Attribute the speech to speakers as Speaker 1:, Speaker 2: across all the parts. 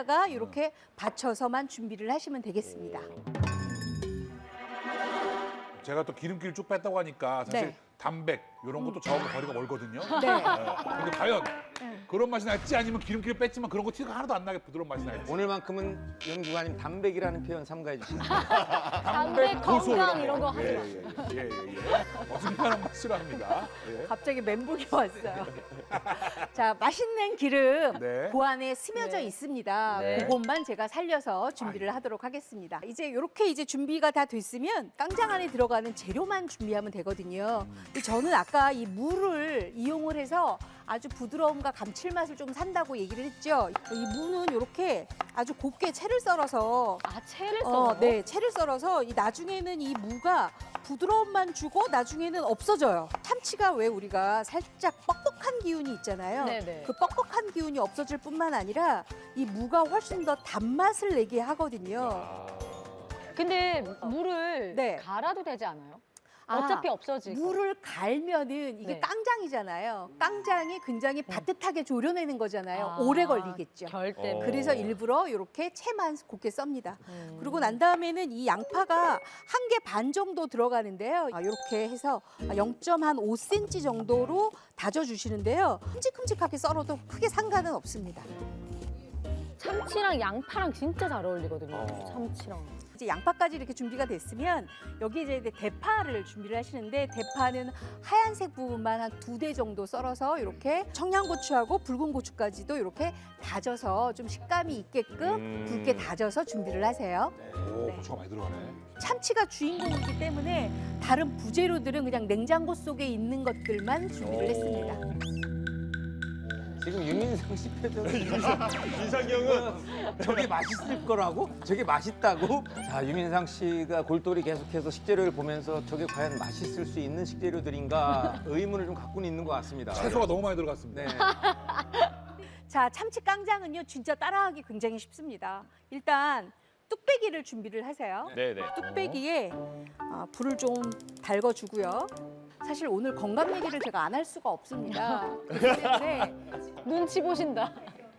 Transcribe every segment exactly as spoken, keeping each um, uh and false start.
Speaker 1: 위에다가 이렇게 받쳐서만 준비를 하시면 되겠습니다.
Speaker 2: 제가 또 기름기를 쭉 뺐다고 하니까 사실
Speaker 1: 네.
Speaker 2: 담백 이런 것도 저하고 거리가 멀거든요.
Speaker 1: 네.
Speaker 2: 근데 과연 그런 맛이 날지 아니면 기름기를 뺐지만 그런 거 티가 하나도 안 나게 부드러운 맛이 날지.
Speaker 3: 오늘만큼은 연구관님 담백이라는 표현 삼가해 주시면
Speaker 4: 담백,
Speaker 2: 고소
Speaker 4: 건강 이런 거 하지
Speaker 2: 예,
Speaker 4: 마.
Speaker 2: 예, 예, 예, 예. 어중간한 맛 싫어합니다. 예.
Speaker 1: 갑자기 멘붕이 왔어요. 자, 맛있는 기름
Speaker 2: 네.
Speaker 1: 그 안에 스며져
Speaker 4: 네.
Speaker 1: 있습니다.
Speaker 4: 네.
Speaker 1: 그것만 제가 살려서 준비를 하도록 하겠습니다. 이제 이렇게 이제 준비가 다 됐으면 깡장 안에 들어가는 재료만 준비하면 되거든요. 근데 저는 아까 이 무를 이용을 해서 아주 부드러움과 감칠맛을 좀 산다고 얘기를 했죠. 이 무는 이렇게 아주 곱게 채를 썰어서
Speaker 4: 아, 채를 썰어요?
Speaker 1: 어, 네, 채를 썰어서 이 나중에는 이 무가 부드러움만 주고 나중에는 없어져요. 참치가 왜 우리가 살짝 뻑뻑한 기운이 있잖아요.
Speaker 4: 네네.
Speaker 1: 그 뻑뻑한 기운이 없어질 뿐만 아니라 이 무가 훨씬 더 단맛을 내게 하거든요.
Speaker 4: 근데 물을
Speaker 1: 네.
Speaker 4: 갈아도 되지 않아요?
Speaker 1: 아,
Speaker 4: 어차피 없어질 거.
Speaker 1: 물을 갈면은 이게
Speaker 4: 네.
Speaker 1: 깡장이잖아요. 깡장이 굉장히 바듯하게 졸여내는 거잖아요.
Speaker 4: 아,
Speaker 1: 오래 걸리겠죠.
Speaker 4: 결 때문에.
Speaker 1: 그래서 일부러 이렇게 채만 곱게 썹니다.
Speaker 4: 음.
Speaker 1: 그리고 난 다음에는 이 양파가 한 개 반 정도 들어가는데요. 아, 이렇게 해서 영 점 오 센티미터 정도로 다져주시는데요. 큼직큼직하게 썰어도 크게 상관은 없습니다.
Speaker 4: 참치랑 양파랑 진짜 잘 어울리거든요.
Speaker 3: 어.
Speaker 4: 참치랑.
Speaker 1: 이제 양파까지 이렇게 준비가 됐으면 여기 이제 대파를 준비를 하시는데 대파는 하얀색 부분만 한 두 대 정도 썰어서 이렇게 청양고추하고 붉은 고추까지도 이렇게 다져서 좀 식감이 있게끔 굵게 다져서 준비를 하세요.
Speaker 2: 오,
Speaker 1: 네.
Speaker 2: 고추가 많이 들어가네.
Speaker 1: 참치가 주인공이기 때문에 다른 부재료들은 그냥 냉장고 속에 있는 것들만 준비를 했습니다.
Speaker 3: 지금 유민상 씨 표정이
Speaker 5: 이상형은
Speaker 3: 저게 맛있을 거라고? 저게 맛있다고? 자, 유민상 씨가 골똘히 계속해서 식재료를 보면서 저게 과연 맛있을 수 있는 식재료들인가 의문을 좀 갖고는 있는 것 같습니다.
Speaker 2: 채소가 너무 많이 들어갔습니다.
Speaker 3: 네.
Speaker 1: 자, 참치 깡장은요 진짜 따라하기 굉장히 쉽습니다. 일단 뚝배기를 준비를 하세요.
Speaker 5: 네네.
Speaker 1: 뚝배기에 아, 불을 좀 달궈주고요. 사실 오늘 건강 얘기를 제가 안 할 수가 없습니다. 그렇기 때문에
Speaker 4: 눈치 보신다.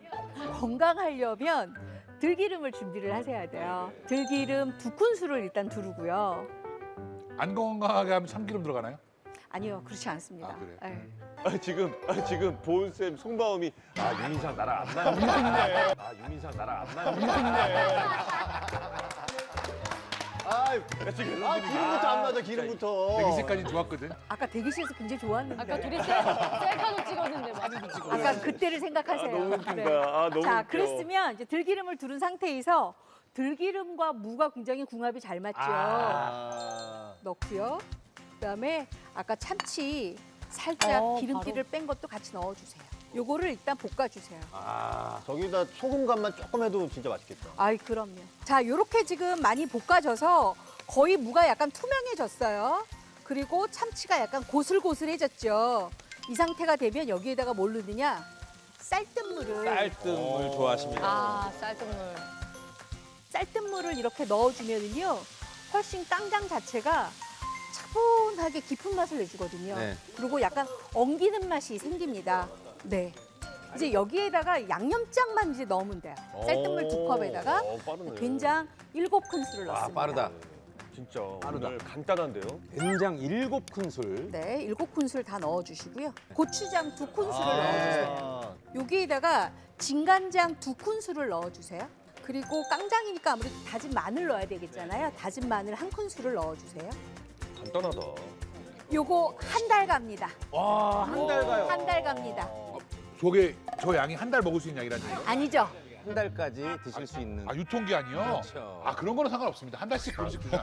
Speaker 1: 건강하려면 들기름을 준비를 하셔야 돼요. 들기름 두 큰술을 일단 두르고요.
Speaker 2: 안 건강하게 하면 참기름 들어가나요?
Speaker 1: 아니요, 그렇지 않습니다.
Speaker 2: 아, 그래요?
Speaker 1: 네.
Speaker 5: 아, 지금 아, 지금 보은쌤 속마음이 아 유민상 나랑 안 맞네. 아 유민상 나랑 안 맞네. 아 지금 아 기름부터 안 맞아 기름부터.
Speaker 2: 대기색까지 좋았거든.
Speaker 1: 아까 대기실에서 굉장히 좋았는데
Speaker 4: 아까 둘이 셀- 셀카도 찍었는데 막.
Speaker 2: 사진도 찍고.
Speaker 1: 아까 그때를 생각하세요.
Speaker 5: 아, 너무 웃긴다.
Speaker 1: 네.
Speaker 5: 아, 너무
Speaker 1: 자,
Speaker 5: 웃겨.
Speaker 1: 그랬으면 이제 들기름을 두른 상태에서 들기름과 무가 굉장히 궁합이 잘 맞죠.
Speaker 5: 아.
Speaker 1: 넣고요. 그다음에 아까 참치 살짝
Speaker 4: 어,
Speaker 1: 기름기를 뺀 것도 같이 넣어주세요. 요거를 일단 볶아주세요.
Speaker 5: 아 저기다 소금 간만 조금 해도 진짜 맛있겠다.
Speaker 1: 아이, 그럼요. 자, 요렇게 지금 많이 볶아져서 거의 무가 약간 투명해졌어요. 그리고 참치가 약간 고슬고슬해졌죠. 이 상태가 되면 여기에다가 뭘 넣느냐? 쌀뜨물을
Speaker 3: 쌀뜨물 좋아하십니다.
Speaker 4: 아, 쌀뜨물.
Speaker 1: 쌀뜨물을 이렇게 넣어주면은요 훨씬 깡장 자체가 차분하게 깊은 맛을 내주거든요.
Speaker 3: 네.
Speaker 1: 그리고 약간 엉기는 맛이 생깁니다. 네. 이제 여기에다가 양념장만 이제 넣으면 돼요. 쌀뜨물 두 컵에다가
Speaker 5: 오, 빠르네.
Speaker 1: 된장 일곱 큰술을
Speaker 3: 와,
Speaker 1: 넣습니다.
Speaker 3: 빠르다.
Speaker 5: 진짜
Speaker 3: 빠르다.
Speaker 5: 오늘 간단한데요?
Speaker 3: 된장 일곱 큰술.
Speaker 1: 네, 일곱 큰술 다 넣어주시고요. 고추장 두 큰술을
Speaker 5: 아.
Speaker 1: 넣어주세요. 여기에다가 진간장 두 큰술을 넣어주세요. 그리고 깡장이니까 아무래도 다진 마늘 넣어야 되겠잖아요. 다진 마늘 한 큰술을 넣어주세요.
Speaker 5: 간단하다.
Speaker 1: 요거 한 달 갑니다.
Speaker 3: 와, 한 달 가요.
Speaker 1: 한 달 갑니다.
Speaker 2: 저게 저 양이 한 달 먹을 수 있는 양이라는 얘기예요?
Speaker 1: 아니죠?
Speaker 3: 한 달까지 드실 수 있는.
Speaker 2: 아, 유통기한이요?
Speaker 3: 그렇죠.
Speaker 2: 아, 그런 거는 상관없습니다. 한 달씩 그런씩 주잖아.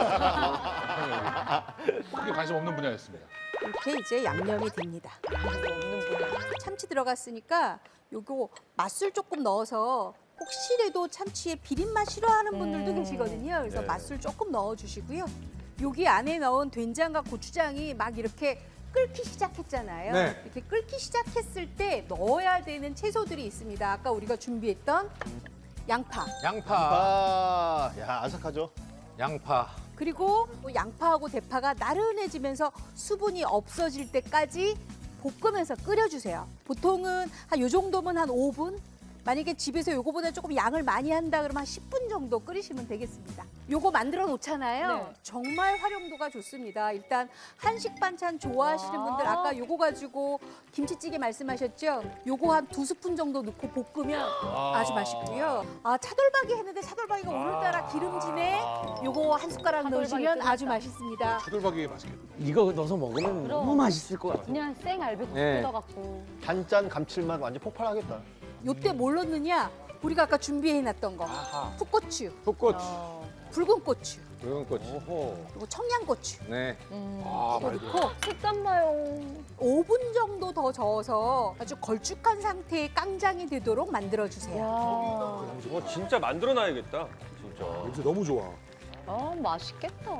Speaker 2: 크게 관심 없는 분야였습니다.
Speaker 1: 이렇게 이제 양념이 됩니다.
Speaker 4: 없는 분야.
Speaker 1: 참치 들어갔으니까 요거 맛술 조금 넣어서 혹시라도 참치의 비린맛 싫어하는 분들도
Speaker 4: 음.
Speaker 1: 계시거든요. 그래서
Speaker 5: 네.
Speaker 1: 맛술 조금 넣어주시고요. 여기 안에 넣은 된장과 고추장이 막 이렇게 끓기 시작했잖아요.
Speaker 3: 네.
Speaker 1: 이렇게 끓기 시작했을 때 넣어야 되는 채소들이 있습니다. 아까 우리가 준비했던 양파,
Speaker 3: 양파,
Speaker 5: 아, 야 아삭하죠?
Speaker 3: 양파.
Speaker 1: 그리고 또 양파하고 대파가 나른해지면서 수분이 없어질 때까지 볶으면서 끓여주세요. 보통은 한 요 정도면 한 오 분, 만약에 집에서 요거보다 조금 양을 많이 한다 그러면 한 십 분 정도 끓이시면 되겠습니다. 요거 만들어 놓잖아요.
Speaker 4: 네.
Speaker 1: 정말 활용도가 좋습니다. 일단 한식 반찬 좋아하시는
Speaker 4: 와.
Speaker 1: 분들 아까 요거 가지고 김치찌개 말씀하셨죠? 요거 한 두 스푼 정도 넣고 볶으면 아주 맛있고요. 아, 차돌박이 했는데 차돌박이가 오늘따라 기름지네. 요거 한 숟가락
Speaker 4: 차돌박이
Speaker 1: 넣으시면 아주
Speaker 4: 뜯었다.
Speaker 1: 맛있습니다.
Speaker 2: 차돌박이 맛있겠다.
Speaker 3: 이거 넣어서 먹으면
Speaker 4: 그럼.
Speaker 3: 너무 맛있을 것 같아요.
Speaker 4: 그냥 생 알배고
Speaker 3: 네.
Speaker 4: 뜯어갖고.
Speaker 5: 단짠 감칠맛 완전 폭발하겠다.
Speaker 1: 요때 뭘 넣느냐? 우리가 아까 준비해놨던 거. 풋고추,
Speaker 3: 풋고추,
Speaker 4: 어.
Speaker 1: 붉은 고추,
Speaker 3: 붉은 고추.
Speaker 1: 그리고 청양고추.
Speaker 3: 네.
Speaker 4: 음.
Speaker 2: 아,
Speaker 1: 이거
Speaker 2: 맛있다.
Speaker 1: 넣고
Speaker 4: 식감 봐요.
Speaker 1: 오 분 정도 더 저어서 아주 걸쭉한 상태의 깡장이 되도록 만들어주세요.
Speaker 4: 야.
Speaker 6: 어, 진짜 만들어놔야겠다. 진짜.
Speaker 2: 냄새 너무 좋아.
Speaker 4: 아, 맛있겠다.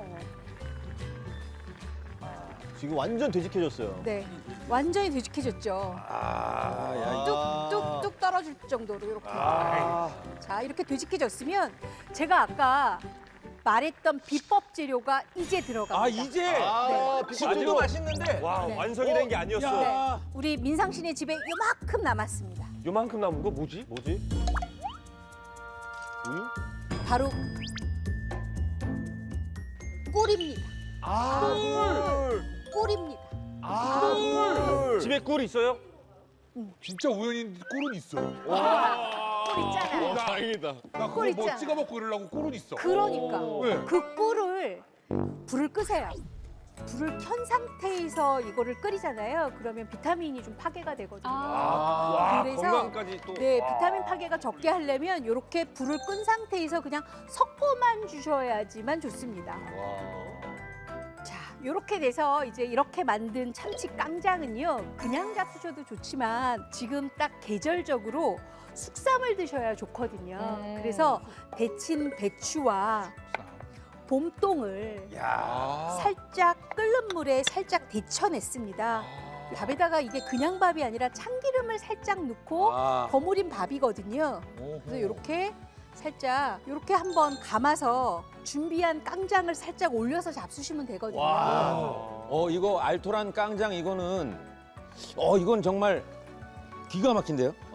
Speaker 5: 지금 완전 되직해졌어요.
Speaker 1: 네, 완전히 되직해졌죠.
Speaker 3: 아, 야,
Speaker 1: 뚝뚝뚝 떨어질 정도로 이렇게.
Speaker 3: 아.
Speaker 1: 자, 이렇게 되직해졌으면 제가 아까 말했던 비법 재료가 이제 들어갑니다.
Speaker 3: 아 이제
Speaker 5: 아,
Speaker 3: 지금도 맛있는데.
Speaker 6: 와,
Speaker 1: 네.
Speaker 6: 완성이 된 게 아니었어.
Speaker 3: 야.
Speaker 1: 우리 민상 씨네 집에 요만큼 남았습니다.
Speaker 6: 요만큼 남은 거 뭐지?
Speaker 5: 뭐지? 우유?
Speaker 1: 바로 꿀입니다.
Speaker 5: 아, 꿀.
Speaker 1: 꿀입니다.
Speaker 5: 아, 꿀.
Speaker 6: 집에 꿀 있어요?
Speaker 2: 진짜 우연히 꿀은 있어.
Speaker 1: 꿀 있잖아요.
Speaker 2: 나,
Speaker 5: 다행이다.
Speaker 2: 나
Speaker 1: 꿀
Speaker 2: 그거 뭐
Speaker 1: 있잖아.
Speaker 2: 찍어 먹고 이러려고 꿀은 있어.
Speaker 1: 그러니까
Speaker 2: 네.
Speaker 1: 그 꿀을 불을 끄세요. 불을 켠 상태에서 이거를 끓이잖아요. 그러면 비타민이 좀 파괴가 되거든요.
Speaker 4: 아.
Speaker 6: 와,
Speaker 1: 그래서
Speaker 6: 건강까지 또.
Speaker 1: 네,
Speaker 6: 와.
Speaker 1: 비타민 파괴가 적게 하려면 이렇게 불을 끈 상태에서 그냥 석포만 주셔야지만 좋습니다. 자, 이렇게 돼서 이제 이렇게 만든 참치 깡장은요, 그냥 잡수셔도 좋지만 지금 딱 계절적으로 숙삼을 드셔야 좋거든요.
Speaker 4: 음.
Speaker 1: 그래서 데친 배추와 봄동을
Speaker 3: 야.
Speaker 1: 살짝 끓는 물에 살짝 데쳐냈습니다. 밥에다가 이게 그냥 밥이 아니라 참기름을 살짝 넣고
Speaker 3: 아.
Speaker 1: 버무린 밥이거든요. 그래서 이렇게 살짝 이렇게 한번 감아서 준비한 깡장을 살짝 올려서 잡수시면 되거든요.
Speaker 3: 어 이거 알토란 깡장 이거는 어 이건 정말 기가 막힌데요?